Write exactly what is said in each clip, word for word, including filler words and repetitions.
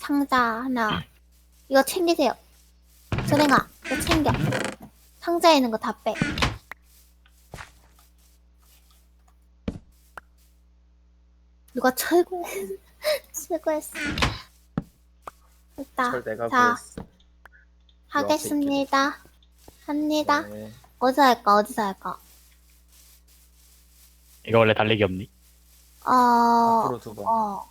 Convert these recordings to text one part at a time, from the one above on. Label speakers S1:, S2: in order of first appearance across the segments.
S1: 상자 하나. 이거 챙기세요. 선행아, 이거 챙겨. 상자에 있는 거 다 빼. 누가 철거, 철거했어. 됐다.
S2: 철 내가
S1: 자,
S2: 구했어.
S1: 하겠습니다. 합니다.
S2: 네.
S1: 어디서 할까, 어디서 할까?
S3: 이거 원래 달리기 없니?
S1: 어,
S2: 앞으로 두 번.
S1: 어.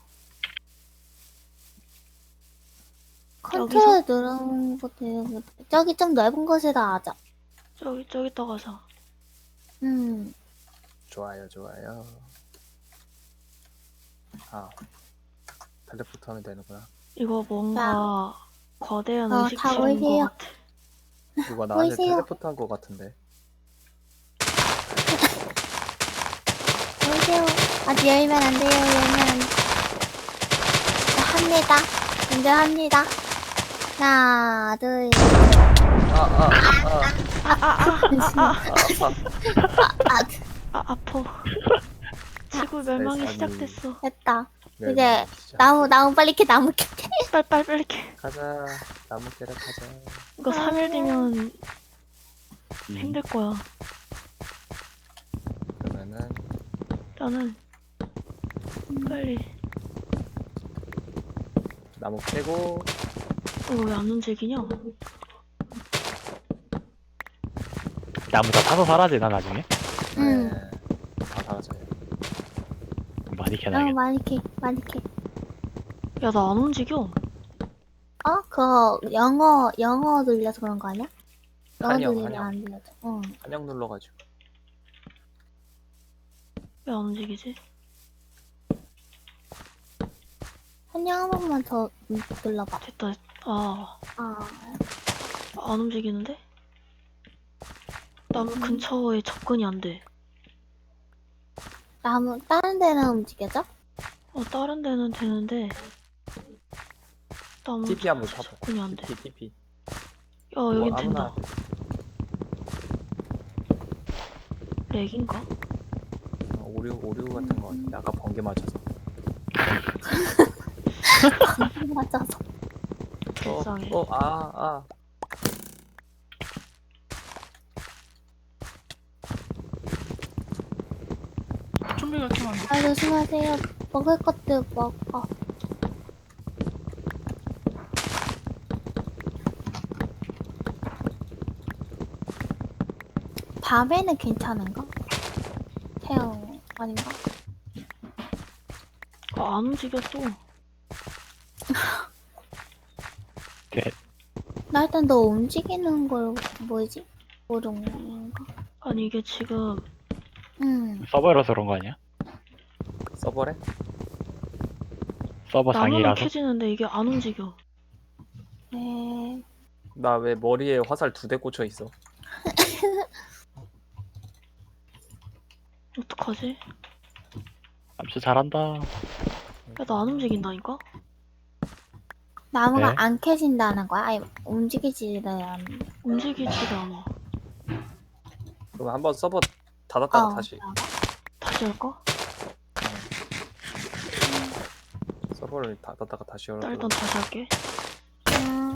S1: 컨트롤 누르는 거 되게, 저기 좀 넓은 곳에다 하자.
S4: 저기 저기 떠가서.
S1: 음,
S2: 좋아요, 좋아요. 아, 텔레포트 하면 되는구나.
S4: 이거 뭔가 거대한
S1: 어,
S4: 의식
S1: 다
S4: 주는
S1: 보이세요?
S4: 것 같아.
S2: 누가 나한테
S1: 보이세요?
S2: 텔레포트 한 거 같은데.
S1: 보이세요? 아직 열면 안 돼요, 열면 안 돼. 자, 합니다. 먼저 합니다. 하나, 둘,
S2: 아, 아, 아,
S1: 잠시만.
S2: 아, 아파.
S1: 아,
S4: 아 아파. 지구 멸망이
S2: 세상에.
S4: 시작됐어.
S1: 됐다.
S2: 네,
S1: 이제
S2: 네, 진짜.
S1: 나무, 나무 빨리 캐, 나무 캐.
S4: 빨리 빨리 빨리 이렇게.
S2: 가자. 나무 깨러 가자.
S4: 이거 삼 일 뒤면
S3: 음.
S4: 힘들 거야.
S2: 그러면은
S4: 나는 빨리.
S2: 나무 캐고
S4: 이거 왜 안 움직이냐?
S3: 나무 다 타서 사라지나 나중에?
S1: 응.
S2: 네, 다 사라져요.
S3: 많이
S1: 나무
S3: 캐나겠다.
S1: 많이 캐, 많이 캐.
S4: 야 나 안 움직여.
S1: 어? 그거 영어, 영어 눌려서 그런 거 아니야? 영어
S2: 한영,
S1: 눌리면
S2: 한영.
S1: 안 눌려져. 응.
S2: 한영 눌러가지고.
S4: 왜 안 움직이지?
S1: 한영 한 번만 더 눌러봐.
S4: 됐다. 아,
S1: 아,
S4: 안 움직이는데? 나무 근처에 접근이 안 돼.
S1: 나무, 다른 데는 움직여져?
S4: 어, 다른 데는 되는데 나무
S2: 티피 한번
S4: 근처에
S2: 타봐.
S4: 접근이 안 돼.
S2: 티피, 티피.
S4: 야, 여긴
S2: 뭐
S4: 된다.
S2: 아무나
S4: 렉인가?
S2: 어, 오류, 오류 같은 거. 아까 번개 맞아서.
S1: 맞아서.
S4: 불쌍해.
S2: 어, 어, 아, 아.
S5: 좀비가 키면 안 돼.
S1: 아, 조심하세요. 먹을 것도 먹어. 밤에는 괜찮은가? 태양 아닌가?
S4: 아, 안 움직여 또.
S3: 네.
S1: 나 일단 너 움직이는 걸 뭐지? 모르는 거.
S4: 아니 이게 지금
S1: 응.
S3: 서버라서 그런 거 아니야?
S2: 서버래?
S3: 서버
S4: 나무는
S3: 장이라서?
S4: 켜지는데 이게 안 움직여.
S1: 네.
S2: 나 왜 머리에 화살 두 대 꽂혀 있어?
S4: 어떡하지?
S3: 암수 잘한다.
S4: 야, 나 안 움직인다니까?
S1: 나무가
S3: 네.
S1: 안 캐진다는 거야? 아니 움직이지를 않.
S4: 움직이지도 않아.
S2: 그럼 한번 서버 닫았다가
S1: 어.
S2: 다시
S4: 다시 할까?
S2: 서버를 닫았다가 다시
S4: 나
S2: 열어.
S4: 일단 다시 할게.
S1: 음.